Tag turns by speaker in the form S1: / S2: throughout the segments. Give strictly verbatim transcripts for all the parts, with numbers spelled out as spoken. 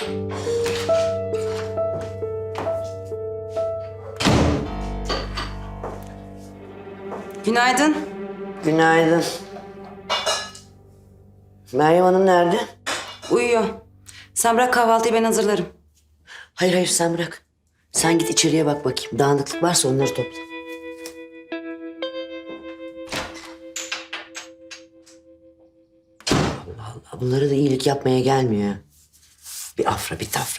S1: Günaydın.
S2: Günaydın. Meryem Hanım nerede?
S1: Uyuyor. Sen bırak kahvaltıyı, ben hazırlarım.
S2: Hayır hayır sen bırak. Sen git içeriye bak bakayım. Dağınıklık varsa onları topla. Allah Allah. Bunlara da iyilik yapmaya gelmiyor. Bir afra bir tafra.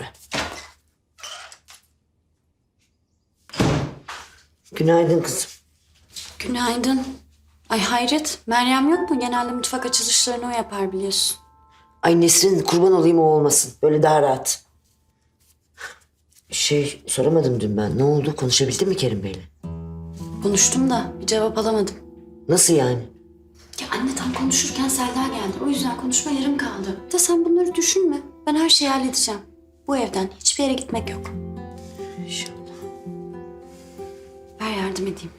S2: Günaydın kızım.
S3: Günaydın. Ay hayret, Meryem yok mu? Genelde mutfak açılışlarını o yapar biliyorsun.
S2: Ay Nesrin kurban olayım o olmasın. Böyle daha rahat. Şey soramadım dün ben. Ne oldu? Konuşabildin mi Kerim Bey'le?
S3: Konuştum da bir cevap alamadım.
S2: Nasıl yani?
S3: Ya anne tam konuşurken Selda geldi. O yüzden konuşma yarım kaldı. Da sen bunları düşünme. Ben her şeyi halledeceğim. Bu evden hiçbir yere gitmek yok.
S2: İnşallah.
S3: Ver yardım edeyim.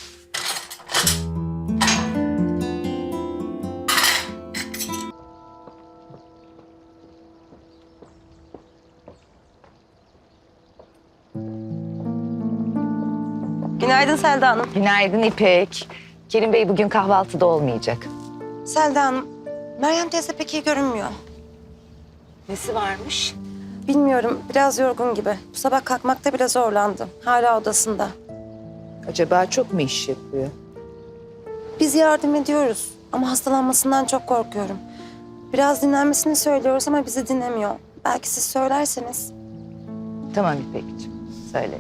S1: Günaydın Selda Hanım.
S4: Günaydın İpek. Kerim Bey bugün kahvaltıda olmayacak.
S1: Selda Hanım, Meryem teyze pek iyi görünmüyor.
S4: Nesi varmış?
S1: Bilmiyorum, biraz yorgun gibi. Bu sabah kalkmakta bile zorlandı. Hala odasında.
S4: Acaba çok mu iş yapıyor?
S1: Biz yardım ediyoruz ama hastalanmasından çok korkuyorum. Biraz dinlenmesini söylüyoruz ama bizi dinlemiyor. Belki siz söylerseniz.
S4: Tamam İpekciğim, söyle.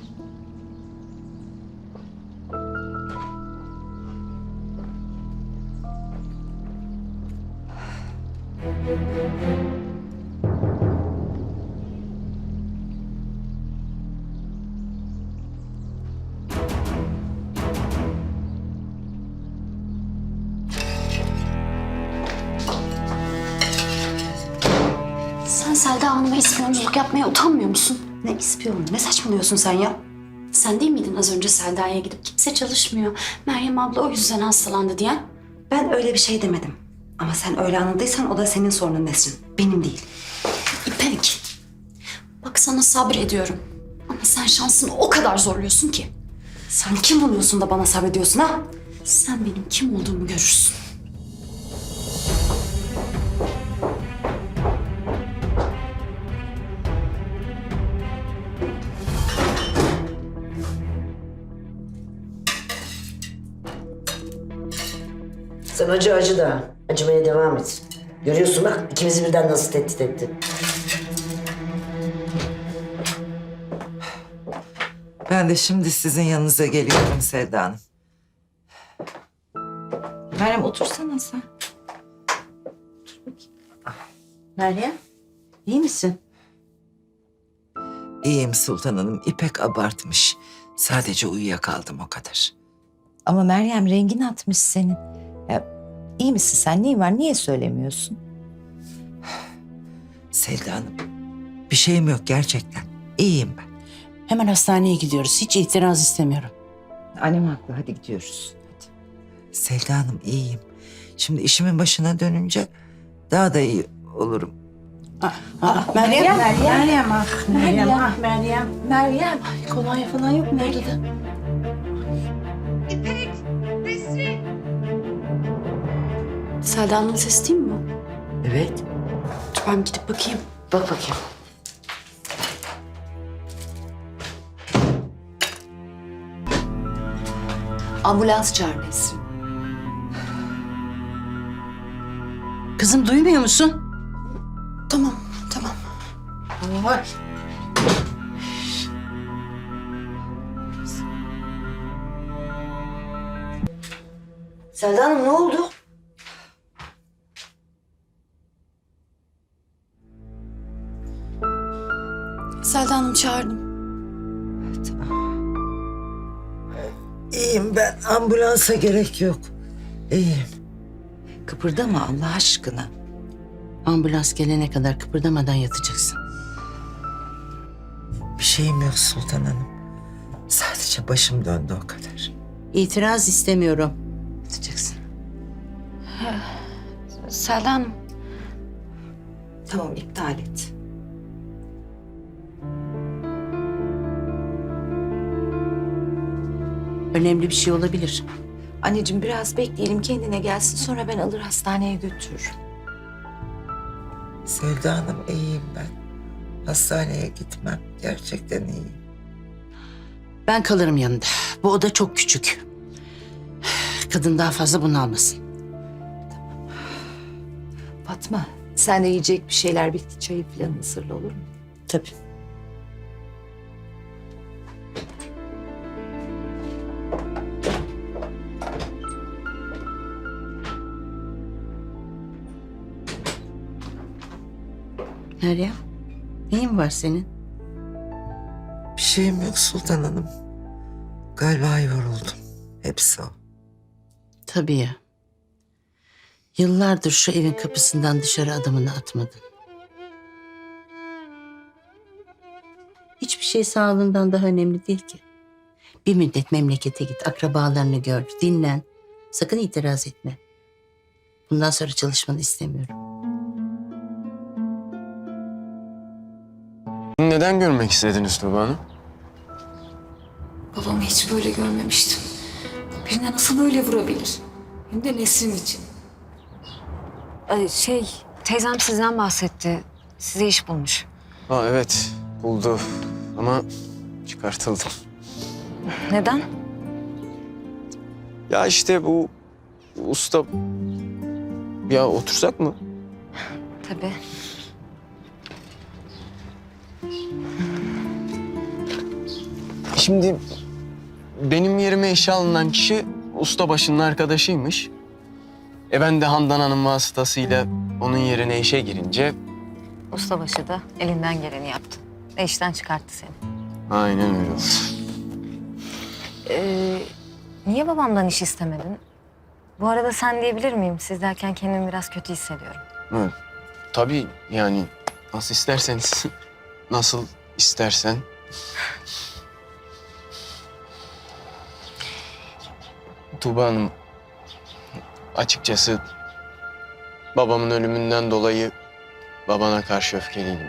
S3: Sen Selda Hanım'a ispiyonculuk yapmaya utanmıyor musun?
S1: Ne ispiyonu? Ne saçmalıyorsun sen ya?
S3: Sen değil miydin az önce Selda'ya gidip kimse çalışmıyor, Meryem abla o yüzden hastalandı diyen?
S1: Ben öyle bir şey demedim. Ama sen öyle anladıysan o da senin sorunun Nesrin. Benim değil.
S3: İpek, bak sana sabrediyorum. Ama sen şansını o kadar zorluyorsun ki.
S1: Sen kim oluyorsun da bana sabrediyorsun ha?
S3: Sen benim kim olduğumu görürsün.
S2: Sen acı acı da. Acımaya devam et. Görüyorsun bak ikimizi birden nasıl tehdit etti.
S5: Ben de şimdi sizin yanınıza geliyorum Selda Hanım.
S4: Meryem otursana sen.
S2: Meryem, iyi misin?
S5: İyiyim Sultan Hanım. İpek abartmış. Sadece uyuyakaldım o kadar.
S4: Ama Meryem rengin atmış senin. Ya, iyi misin sen? Neyin var? Niye söylemiyorsun?
S5: Selda Hanım, bir şeyim yok gerçekten. İyiyim ben.
S6: Hemen hastaneye gidiyoruz. Hiç itiraz istemiyorum.
S4: Annem haklı. Hadi gidiyoruz. Hadi.
S5: Selda Hanım iyiyim. Şimdi işimin başına dönünce daha da iyi olurum.
S6: Aa, Meryem, Meryem, Meryem, ah Meryem, ah Meryem.
S4: Meryem.
S6: Ay, kolonya falan yok mu odada?
S3: Selda Hanım'ın sesi değil mi bu?
S2: Evet.
S3: Dur ben gidip bakayım.
S2: Bak bakayım.
S3: Ambulans çağır Nesrin.
S6: Kızım duymuyor musun?
S3: Tamam, tamam.
S6: Ay.
S2: Selda Hanım ne oldu?
S3: Selda Hanım çağırdım.
S5: İyiyim ben. Ambulansa gerek yok. İyiyim.
S6: Kıpırdama Allah aşkına. Ambulans gelene kadar kıpırdamadan yatacaksın.
S5: Bir şeyim yok Sultan Hanım. Sadece başım döndü o kadar.
S6: İtiraz istemiyorum. Yatacaksın.
S3: Selda Hanım.
S4: Tamam iptal et.
S6: Önemli bir şey olabilir.
S4: Anneciğim biraz bekleyelim kendine gelsin sonra ben alır hastaneye götürürüm.
S5: Selda Hanım iyiyim ben. Hastaneye gitmem. Gerçekten iyiyim.
S6: Ben kalırım yanında. Bu oda çok küçük. Kadın daha fazla bunalmasın.
S4: Fatma sen de yiyecek bir şeyler bitti çayı falan hazırla olur mu?
S6: Tabii. Meryem, neyin var senin?
S5: Bir şeyim yok Sultan Hanım. Galiba yoruldum. Hepsi o.
S6: Tabii ya. Yıllardır şu evin kapısından dışarı adımını atmadın. Hiçbir şey sağlığından daha önemli değil ki. Bir müddet memlekete git, akrabalarını gör, dinlen. Sakın itiraz etme. Bundan sonra çalışmanı istemiyorum.
S7: Neden görmek istediniz Tuba Hanım?
S8: Babamı hiç böyle görmemiştim. Birine nasıl böyle vurabilir? Hem de Nesrin için.
S1: Ay, şey, teyzem sizden bahsetti. Size iş bulmuş.
S7: Ha evet, buldu ama çıkartıldım.
S1: Neden?
S7: Ya işte bu usta... Ya otursak mı?
S1: Tabii.
S7: Şimdi benim yerime işe alınan kişi ustabaşının arkadaşıymış. E ben de Handan Hanım vasıtasıyla onun yerine işe girince...
S9: Ustabaşı da elinden geleni yaptı. Ve işten çıkarttı seni.
S7: Aynen öyle oldu.
S9: Ee, niye babamdan iş istemedin? Bu arada sen diyebilir miyim? Siz derken kendimi biraz kötü hissediyorum.
S7: Evet. Tabii yani nasıl isterseniz, nasıl istersen. Tuğba Hanım, açıkçası babamın ölümünden dolayı babana karşı öfkeliydim.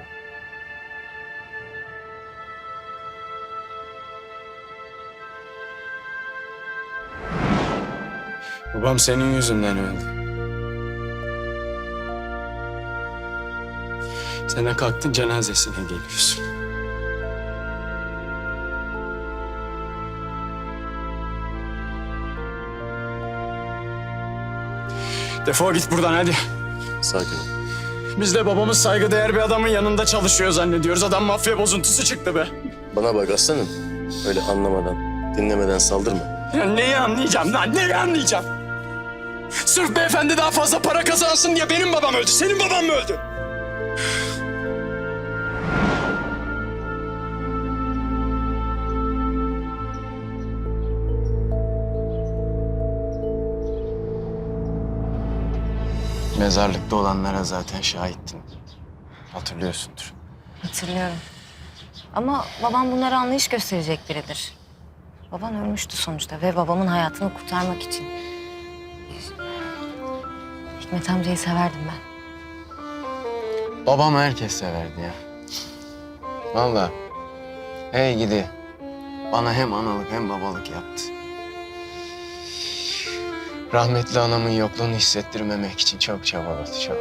S7: Babam senin yüzünden öldü. Sen de kalktın cenazesine geliyorsun.
S10: Defol git buradan hadi.
S7: Sakin ol.
S10: Biz de babamız saygıdeğer bir adamın yanında çalışıyor zannediyoruz. Adam mafya bozuntusu çıktı be.
S11: Bana bak aslanım. Öyle anlamadan, dinlemeden saldırma.
S10: Ya neyi anlayacağım lan? Neyi anlayacağım? Sırf beyefendi daha fazla para kazansın diye benim babam öldü. Senin baban mı öldü?
S7: Mezarlıkta olanlara zaten şahittin. Hatırlıyorsundur.
S9: Hatırlıyorum. Ama babam bunlara anlayış gösterecek biridir. Baban ölmüştü sonuçta ve babamın hayatını kurtarmak için. Hikmet amcayı severdim ben.
S7: Babam herkes severdi ya. Vallahi. Hey gidi. Bana hem analık hem babalık yaptı. Rahmetli anamın yokluğunu hissettirmemek için çok çabaladı, çok.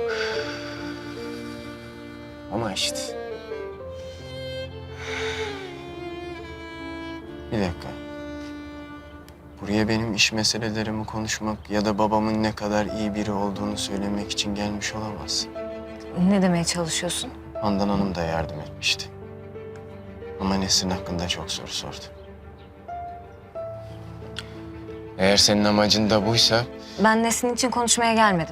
S7: Ama işte. Bir dakika. Buraya benim iş meselelerimi konuşmak ya da babamın ne kadar iyi biri olduğunu söylemek için gelmiş olamazsın.
S9: Ne demeye çalışıyorsun?
S7: Handan Hanım da yardım etmişti. Ama Nesrin hakkında çok soru sordu. Eğer senin amacın da buysa...
S9: Ben Nesin için konuşmaya gelmedim.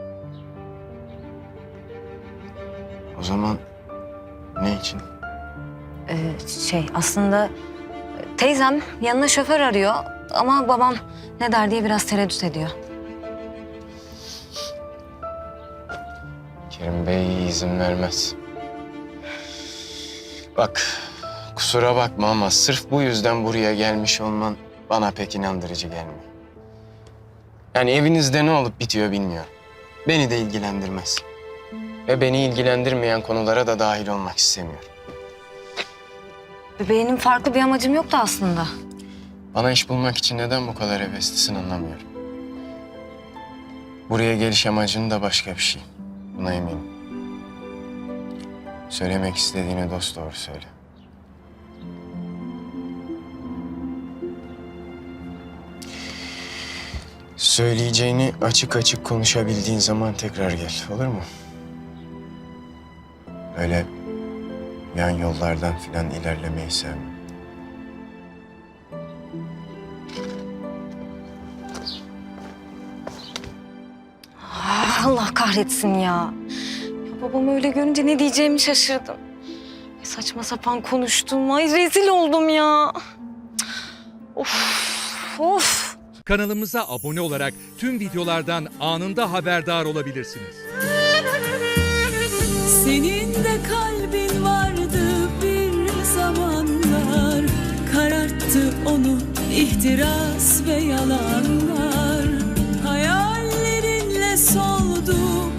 S7: O zaman ne için?
S9: Ee, şey aslında teyzem yanına şoför arıyor ama babam ne der diye biraz tereddüt ediyor.
S7: Kerim Bey izin vermez. Bak, kusura bakma ama sırf bu yüzden buraya gelmiş olman bana pek inandırıcı gelmiyor. Yani evinizde ne olup bitiyor bilmiyorum. Beni de ilgilendirmez. Ve beni ilgilendirmeyen konulara da dahil olmak istemiyorum.
S9: Benim farklı bir amacım yoktu aslında.
S7: Bana iş bulmak için neden bu kadar heveslisin anlamıyorum. Buraya geliş amacın da başka bir şey. Buna eminim. Söylemek istediğini dosdoğru söyle. Söyleyeceğini açık açık konuşabildiğin zaman tekrar gel, olur mu? Öyle yan yollardan filan ilerlemeyi sevmem.
S9: Ah, Allah kahretsin ya. Ya babamı öyle görünce ne diyeceğimi şaşırdım. Ay, saçma sapan konuştum. Ay rezil oldum ya. Of, of.
S12: Kanalımıza abone olarak tüm videolardan anında haberdar olabilirsiniz.
S13: Senin de kalbin vardı bir zamanlar, kararttı onu ihtiras ve yalanlar. Hayallerinle soldu